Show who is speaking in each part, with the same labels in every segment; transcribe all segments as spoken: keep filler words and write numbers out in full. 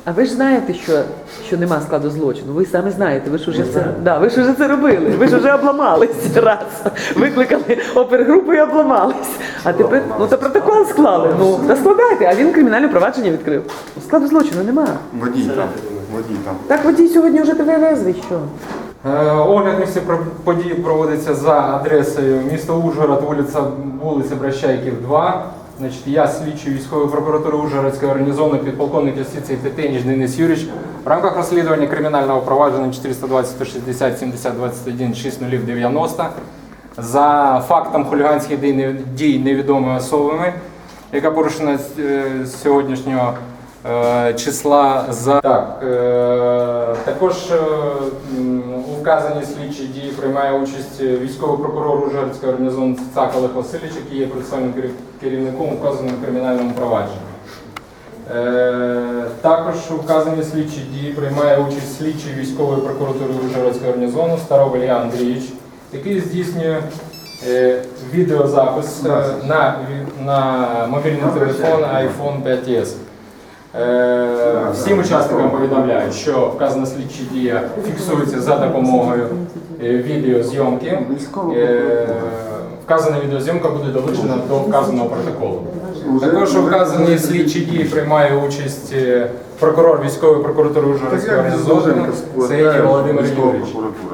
Speaker 1: А ви ж знаєте, що, що нема складу злочину. Ви самі знаєте, ви ж уже це, да, ви ж уже це робили. Ви ж вже обламались раз. Викликали опергрупу і обламались. А тепер, ну то протокол склали. Ну, та складайте, а він кримінальне провадження відкрив. Складу злочину нема.
Speaker 2: Водій там, водій там.
Speaker 1: Так водій сьогодні вже тебе везвий, що?
Speaker 3: Е, Огляд місця події проводиться за адресою місто Ужгород, вулиця, вулиця Бращайків, два. Значить, я слідчий військової прокуратури Ужгородської організованої підполковник юстиції Тетеніч Денис Юрійович. В рамках розслідування кримінального провадження чотириста двадцять сто шістдесят сімдесят двадцять один шість нуль дев'яносто за фактом хуліганських дій, дій невідомими особами, яка порушена з сьогоднішнього е, числа. За так, е, також е, у вказаній слідчій дії приймає участь військовий прокурор Ужгородської організованої Цицак Олег Васильович, який є процесуальним керівником у вказаному кримінальному провадженні. Е, також у вказаній слідчій дії приймає участь слідчий військової прокуратури Ужгородської організованої Старов Ілля Андрійович, який здійснює е, відеозапис е, на, на мобільний телефон айфон п'ять ес. Е, всім учасникам повідомляю, що вказана слідча дія фіксується за допомогою е, відеозйомки. Е, вказана відеозйомка буде долучена до вказаного протоколу. Також у вказаній слідчій дії приймає участь е, прокурор військової прокуратури Ужгородської організованої Сергій Володимир Юрійович.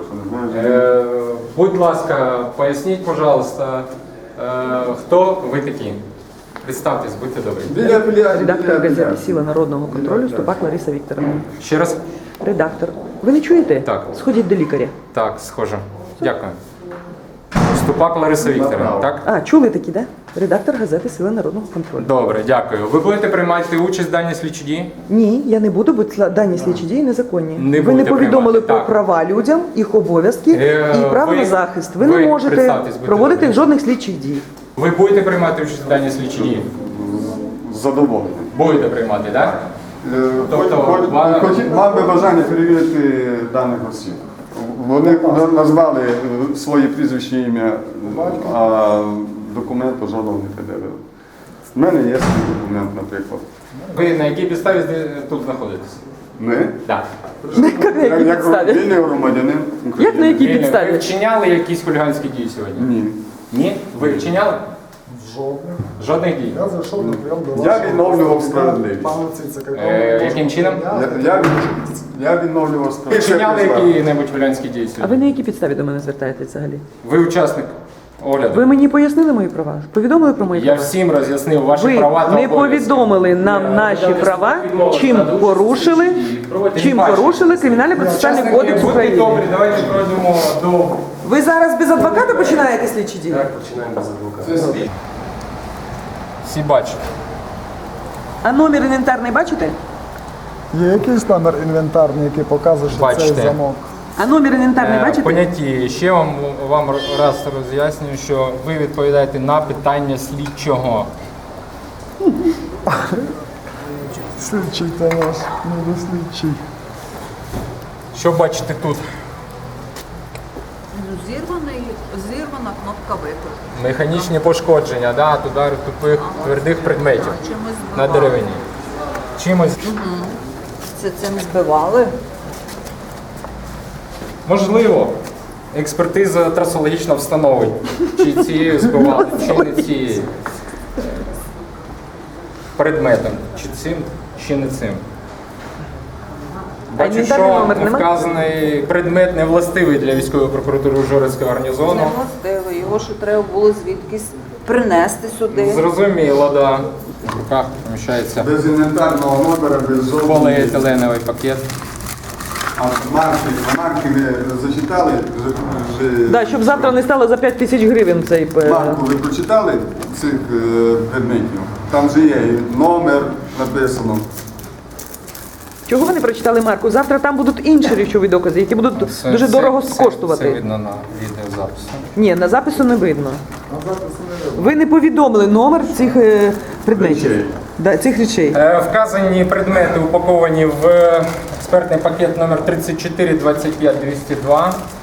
Speaker 3: Е, будь ласка, поясніть, пожалуйста, е, хто ви такі? Представтесь, будьте добрі.
Speaker 1: Редактор газети «Сила народного контролю» Ступак Лариса Вікторовна.
Speaker 3: Ще раз?
Speaker 1: Редактор. Ви не чуєте?
Speaker 3: Так.
Speaker 1: Сходіть до лікаря.
Speaker 3: Так, схоже. Дякую. Ступак Лариса Вікторівна, так?
Speaker 1: А, чули такі, так? Да? Редактор газети «Сила народного контролю».
Speaker 3: Добре, дякую. Ви будете приймати участь в даній слідчій дії?
Speaker 1: Ні, я не буду, бо дані слідчі дії незаконні.
Speaker 3: Не
Speaker 1: ви не
Speaker 3: будете
Speaker 1: повідомили
Speaker 3: приймати,
Speaker 1: про
Speaker 3: так.
Speaker 1: права людям, їх обов'язки
Speaker 3: Е,
Speaker 1: і право
Speaker 3: ви-
Speaker 1: на захист. Ви,
Speaker 3: ви
Speaker 1: не можете
Speaker 3: представтесь, будьте
Speaker 1: проводити
Speaker 3: добрі.
Speaker 1: жодних слідчих дій.
Speaker 3: Ви будете приймати участь в даній слідчій дії?
Speaker 2: Задоволений.
Speaker 3: Будете приймати, так? Тобто,
Speaker 2: Хоч- хоч-
Speaker 3: вона-
Speaker 2: хоч- Мав би бажання перевірити даних осіб. Вони назвали е, своє прізвище, ім'я, а документу жодного не пред'явили. У мене є свій документ, наприклад.
Speaker 3: Ви на якій підставі зде- тут знаходитесь?
Speaker 2: Ми,
Speaker 3: Так.
Speaker 1: На якій
Speaker 2: як
Speaker 1: підставі?
Speaker 2: вільний громадянин
Speaker 1: Як на якій
Speaker 3: Ви
Speaker 1: підставі?
Speaker 3: вчиняли якісь хуліганські дії сьогодні?
Speaker 2: Ні.
Speaker 3: Ні? Ви вчиняли?
Speaker 4: Жодних.
Speaker 3: Жодних дій?
Speaker 4: Я зайшов на прийом до
Speaker 2: Я
Speaker 4: вашого
Speaker 2: відновлював
Speaker 4: представника,
Speaker 2: справедливість.
Speaker 4: пана Цицака, якого
Speaker 3: Е,
Speaker 4: можна
Speaker 3: яким чином?
Speaker 2: Я, я, від- я відновлював
Speaker 3: Ви
Speaker 2: справу.
Speaker 3: вчиняли які-небудь хуліганські дії
Speaker 1: А
Speaker 3: сьогодні?
Speaker 1: ви на якій підставі до мене звертаєтесь взагалі?
Speaker 3: Ви учасник огляду?
Speaker 1: Ви мені пояснили мої права? Повідомили про мої
Speaker 3: Я
Speaker 1: права?
Speaker 3: всім роз'яснив ваші
Speaker 1: Ви
Speaker 3: права та
Speaker 1: не
Speaker 3: обов'язки.
Speaker 1: повідомили нам наші права, чим порушили, чим порушили Кримінальний процесуальний
Speaker 3: Учасники,
Speaker 1: кодекс
Speaker 3: будьте
Speaker 1: України.
Speaker 3: добрі, давайте пройдемо до...
Speaker 1: Ви зараз без адвоката починаєте слідчі дії?
Speaker 3: Всі бачать.
Speaker 1: А номер інвентарний бачите?
Speaker 4: Є якийсь номер інвентарний, який показує, що
Speaker 3: Бачите.
Speaker 4: цей замок.
Speaker 1: А номер інвентарний
Speaker 3: Е,
Speaker 1: бачите?
Speaker 3: Поняті. Ще вам, вам раз роз'яснюю, що ви відповідаєте на питання слідчого.
Speaker 4: Слідчий та наш, не до слідчий.
Speaker 3: Що бачите тут?
Speaker 5: Ну, зірваний, зірвана кнопка виклику.
Speaker 3: Механічні пошкодження, да, от удари тупих твердих предметів
Speaker 5: Чимось
Speaker 3: на
Speaker 5: збивали.
Speaker 3: деревині. Чимось.
Speaker 5: Це цим збивали.
Speaker 3: Можливо, експертиза трасологічно встановить, чи цією збивали, чи не цією предметом, чи цим, чи не цим. Бачу,
Speaker 1: інвентарний
Speaker 3: що
Speaker 1: номер нема?
Speaker 3: вказаний предмет не властивий для військової прокуратури Ужгородського гарнізону.
Speaker 5: Не властиво. Його ще треба було звідкись принести сюди.
Speaker 3: Зрозуміло, да. В руках поміщається
Speaker 2: Без інвентарного номера, без жодного.
Speaker 3: поліетиленовий пакет.
Speaker 2: А марки, а марки ви зачитали? Вже, вже...
Speaker 1: Да, щоб завтра не стало за п'ять тисяч гривень цей... е,
Speaker 2: Марку ви прочитали цих е, предметів? Там же є і номер написано.
Speaker 1: Чого ви не прочитали марку? Завтра там будуть інші речові докази, які будуть
Speaker 3: Це-
Speaker 1: дуже
Speaker 3: це-
Speaker 1: дорого
Speaker 3: це-
Speaker 1: коштувати.
Speaker 3: Це видно на відеозаписі.
Speaker 1: Ні, на запису не видно. Ви не повідомили номер цих е, предметів.
Speaker 2: Речей.
Speaker 1: Да, цих речей.
Speaker 3: Е, Вказані предмети упаковані в експертний пакет номер тридцять чотири двадцять п'ять двісті два.